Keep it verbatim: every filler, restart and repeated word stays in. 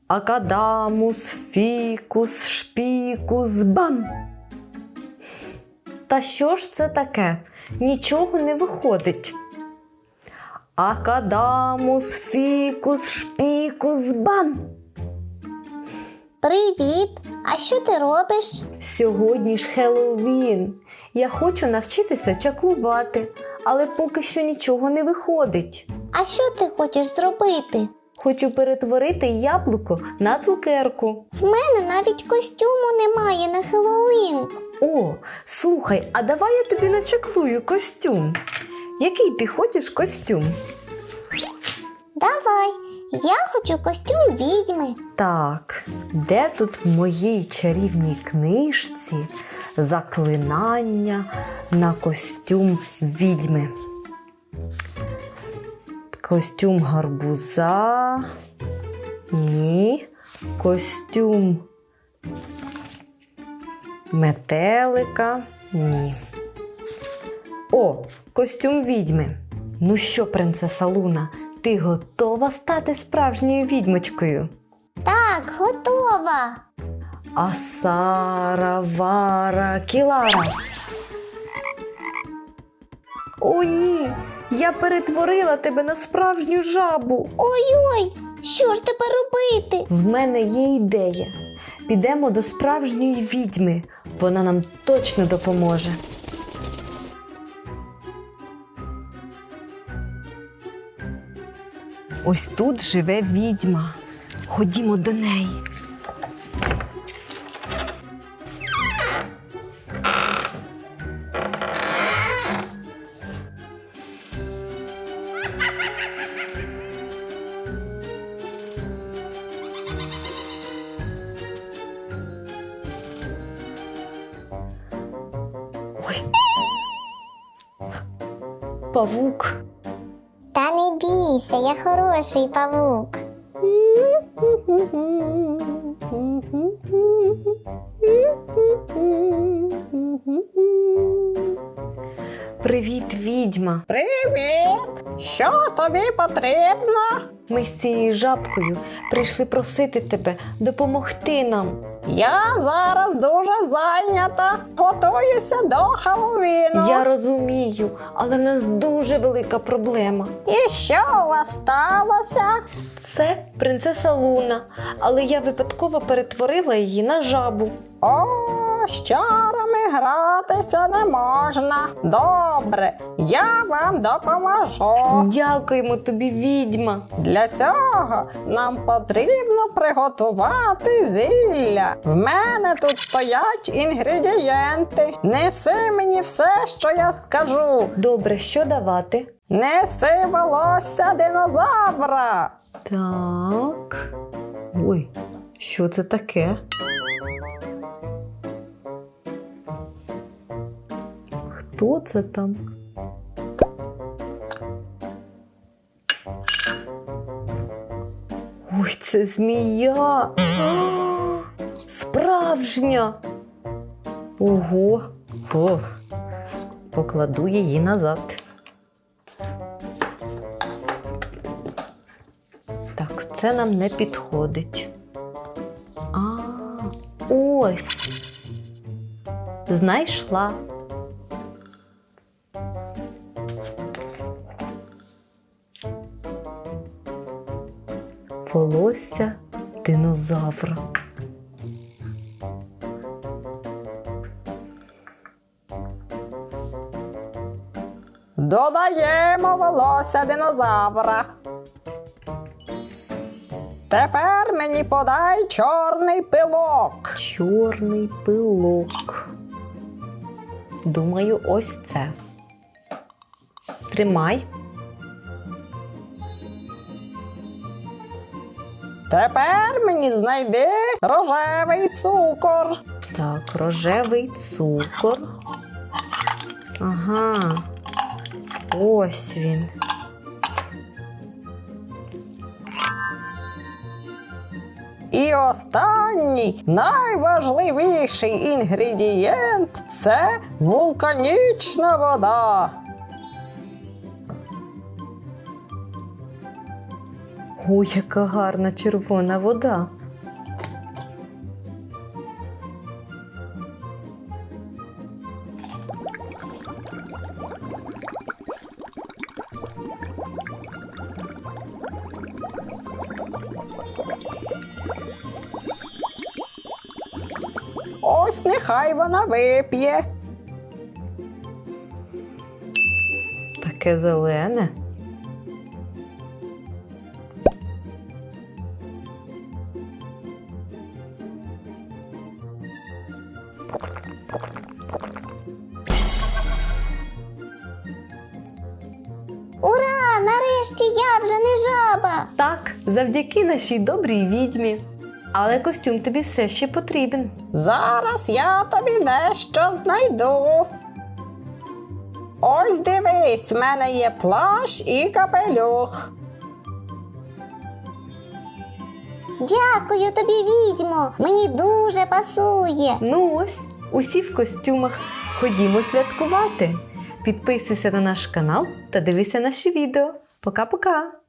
Акадамус, фікус, шпікус, бам! Та що ж це таке? Нічого не виходить. Акадамус, фікус, шпікус, бам! Привіт! А що ти робиш? Сьогодні ж Хеллоуін. Я хочу навчитися чаклувати, але поки що нічого не виходить. А що ти хочеш зробити? Хочу перетворити яблуко на цукерку. В мене навіть костюму немає на Хеллоуін. О, слухай, а давай я тобі начаклую костюм. Який ти хочеш костюм? Давай, я хочу костюм відьми. Так, де тут в моїй чарівній книжці заклинання на костюм відьми? Костюм гарбуза. Ні. Костюм метелика. Ні. О, костюм відьми. Ну що, принцеса Луна, ти готова стати справжньою відьмочкою? Так, готова. Асара, Вара, Кілара. О, ні! Я перетворила тебе на справжню жабу. Ой-ой, що ж тепер робити? В мене є ідея. Підемо до справжньої відьми. Вона нам точно допоможе. Ось тут живе відьма. Ходімо до неї. Ой. Павук. Та не бійся, я хороший павук. Привіт, відьма. Привіт! Що тобі потрібно? Ми з цією жабкою прийшли просити тебе допомогти нам. Я зараз дуже зайнята. Готуюся до Хеллоуіну. Я розумію, але в нас дуже велика проблема. І що у вас сталося? Це принцеса Луна, але я випадково перетворила її на жабу. О, з чарами гратися не можна. Добре, я вам допоможу. Дякуємо тобі, відьма. Для цього нам потрібно приготувати зілля. В мене тут стоять інгредієнти. Неси мені все, що я скажу. Добре, що давати? Неси волосся динозавра. Так. Ой, що це таке? Хто це там? Ой, це змія! А, справжня! Ого! О, покладу її назад. Так, це нам не підходить. А, ось! Знайшла. Волосся динозавра. Додаємо волосся динозавра. Тепер мені подай чорний пилок. Чорний пилок. Думаю, ось це. Тримай. Тепер мені знайди рожевий цукор. Так, рожевий цукор. Ага. Ось він. І останній, найважливіший інгредієнт – це вулканічна вода. Ой, яка гарна червона вода. Ось нехай вона вип'є. Таке зелене. Ура! Нарешті я вже не жаба! Так, завдяки нашій добрій відьмі. Але костюм тобі все ще потрібен. Зараз я тобі дещо знайду. Ось дивись, в мене є плащ і капелюх. Дякую тобі, відьмо! Мені дуже пасує! Ну ось, усі в костюмах. Ходімо святкувати. Підписуйся на наш канал та дивися наші відео. Пока-пока!